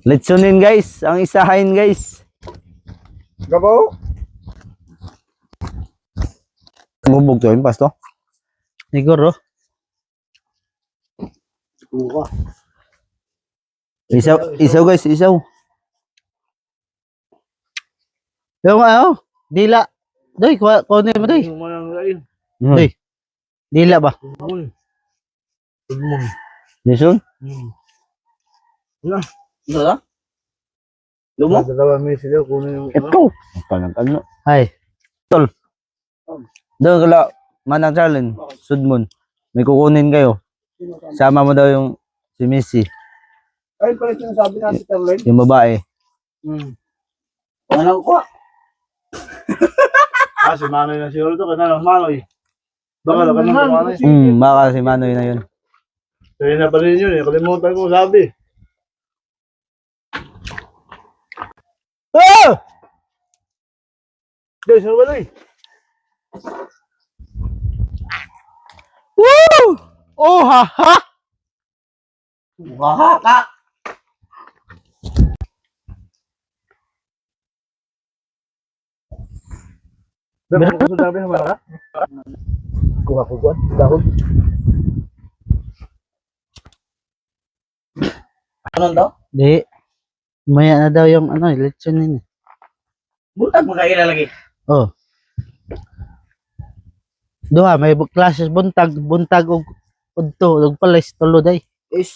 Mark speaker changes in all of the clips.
Speaker 1: Litsunin guys, ang isahin guys.
Speaker 2: Gabaw?
Speaker 1: Bubog to yun, pasto. Siguro.
Speaker 2: Buka.
Speaker 1: Isaw guys, isaw. Yung ano, dila. Doy, kunin mo doy. Doy. Dila ba? Jason?
Speaker 2: Ito? Lumo? Dalawa may sila kunin yung
Speaker 1: Ito. Ano? Hay. Tol. Doon kala Manang Charlene, Sudmon. May kukunin kayo. Sama mo daw yung si Missy.
Speaker 2: Ay, pala sinasabi na si Caroline.
Speaker 1: Yung babae.
Speaker 2: Ano ko? Si Manoy na siguro to. Kasi lang Manoy. Baka lang kanang Manoy.
Speaker 1: Baka si Manoy na yun.
Speaker 2: Sabi na pa rin yun eh. Kalimutan ko sabi.
Speaker 1: Oh!
Speaker 2: Diyos, ano ba na eh?
Speaker 1: Woo! Oh, ha, ha!
Speaker 2: Wahaka! Meron ko sa dami ng mga kuha ko kuha. Dahon. Ano daw?
Speaker 1: Di. Maya na daw yung ano, lechon yun.
Speaker 2: Buntag magkaila lagi.
Speaker 1: Oh. Duha, may classes buntag og udto, og palis tulo day.
Speaker 2: Is.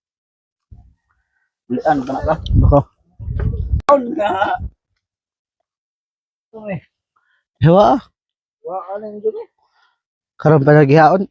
Speaker 2: Bulian ka na ka?
Speaker 1: Bako.
Speaker 2: Down ka. Uy.
Speaker 1: Hewa.
Speaker 2: Wala na yung dito.
Speaker 1: Karon pa naghihaon.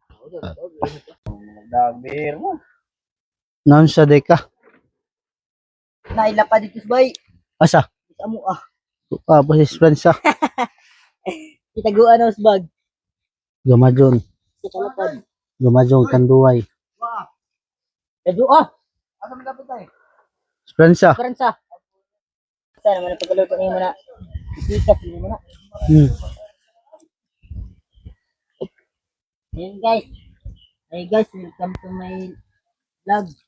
Speaker 2: Dagber mo.
Speaker 1: Naon sa day ka?
Speaker 3: Naila pa dito bay.
Speaker 1: Asa?
Speaker 3: Amo
Speaker 1: Bosis Fransa.
Speaker 3: Itaguan os bag.
Speaker 1: Gumajon.
Speaker 3: Sa kalapad.
Speaker 1: Gumajon kanduway.
Speaker 3: Adu
Speaker 2: Asa mo dapat tayo?
Speaker 1: Fransa.
Speaker 3: Karansa. Sana man pagkaluto ni mo na. Isikas ni mo na. Ayan guys. Hey guys, welcome to my vlog.